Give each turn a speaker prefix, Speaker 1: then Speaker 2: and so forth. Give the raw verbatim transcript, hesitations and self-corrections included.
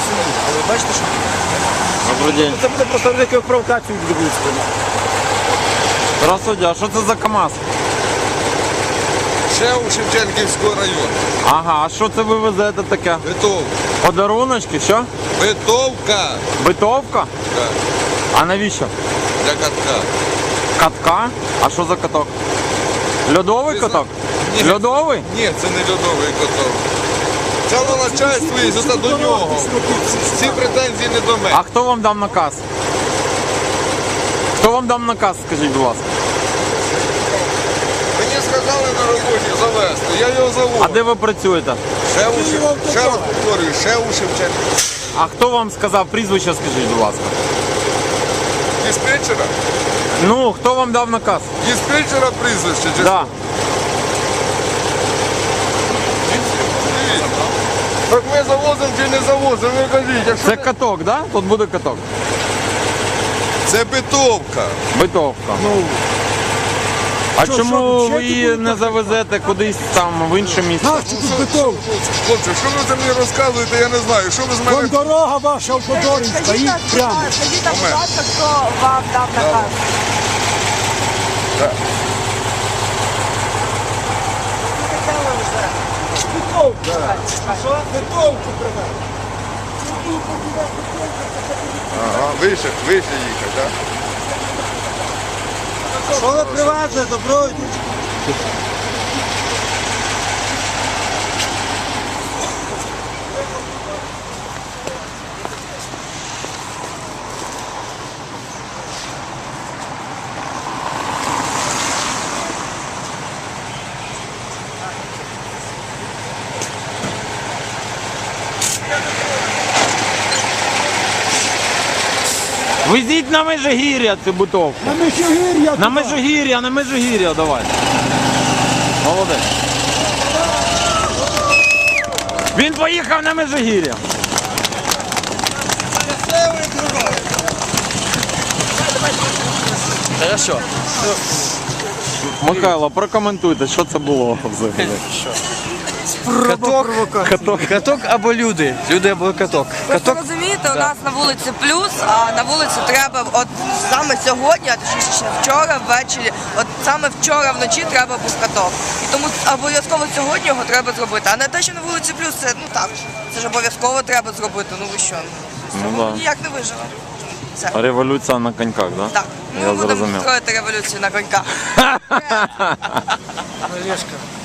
Speaker 1: собі. Але бачите, що
Speaker 2: Добрий день.
Speaker 1: це буде просто великою провокацією для Луцька.
Speaker 2: Здравствуйте, а що це за КАМАЗ?
Speaker 3: Ще у Шевченківського району.
Speaker 2: Ага, а що це ви везете таке?
Speaker 3: Битовка.
Speaker 2: Подаруночки, що?
Speaker 3: Битовка.
Speaker 2: Битовка?
Speaker 3: Так,
Speaker 2: А навіщо?
Speaker 3: для катка.
Speaker 2: Катка? А що за каток? Льодовий
Speaker 3: Ти зна-
Speaker 2: каток?
Speaker 3: Ні.
Speaker 2: Льодовий?
Speaker 3: Ні, це не льодовий каток. Це на начальство і це до нього. Ці претензії не до мене.
Speaker 2: А хто вам дав наказ? Хто вам дав наказ, скажіть, будь ласка?
Speaker 3: Мені сказали на роботі завести, я його
Speaker 2: А
Speaker 3: завожу.
Speaker 2: де ви працюєте?
Speaker 3: Ще, у Шев- ще раз повторюю, ще у Шевченківського.
Speaker 2: А хто вам сказав прізвище, скажіть, будь ласка?
Speaker 3: Диспетчера?
Speaker 2: Ну, хто вам дав наказ?
Speaker 3: Диспетчера прізвище? Чи
Speaker 2: Да.
Speaker 3: Так ми завозимо чи не завозимо, ви кажіть. Якщо
Speaker 2: Це
Speaker 3: не-
Speaker 2: каток, да? Тут буде каток.
Speaker 3: Це битовка.
Speaker 2: Битовка.
Speaker 1: Ну,
Speaker 2: А
Speaker 1: що,
Speaker 2: чому
Speaker 1: що, ще
Speaker 2: ви її
Speaker 1: тут
Speaker 2: не завезете кудись там в інше місце?
Speaker 1: нащо тут бетон?
Speaker 3: Хлопці, що ви це мені розказуєте, я не знаю. Що ви з
Speaker 1: Вон
Speaker 3: мене...
Speaker 1: дорога ваша автодорівська,
Speaker 4: Скажіть,
Speaker 1: їдь
Speaker 4: нам,
Speaker 1: прямо.
Speaker 4: скажіть нам, будь
Speaker 3: Момент.
Speaker 4: ласка, хто вам дав наказ?
Speaker 1: Що? Бетонку привез.
Speaker 3: Ага, вище, вище їхати, так?
Speaker 1: Що ви привезли, добройді?
Speaker 2: Везіть на Межигір'я цю бутовку.
Speaker 1: На Межигір'я
Speaker 2: На
Speaker 1: туди.
Speaker 2: Межигір'я, на Межигір'я давай. Молодець. Він поїхав на Межигір'я.
Speaker 5: Хорошо.
Speaker 2: Михайло, прокоментуйте, що це було взагалі.
Speaker 5: Каток, каток, каток або люди. Люди або каток.
Speaker 4: Просто
Speaker 5: Каток.
Speaker 4: розумієте, у нас на вулиці плюс, а на вулиці треба от саме сьогодні, а точніше ще вчора ввечері, от саме вчора вночі треба був каток. І тому обов'язково сьогодні його треба зробити. А не те, що на вулиці плюс, це ну так, це ж обов'язково треба зробити. Ну ви що?
Speaker 2: Ну,
Speaker 4: Ну,
Speaker 2: да.
Speaker 4: ніяк не виживе. Все.
Speaker 2: Революція на коньках, так? Да?
Speaker 4: Так, ми
Speaker 2: Я
Speaker 4: будемо
Speaker 2: зрозумів.
Speaker 4: строїти революцію на коньках.
Speaker 1: Олешка.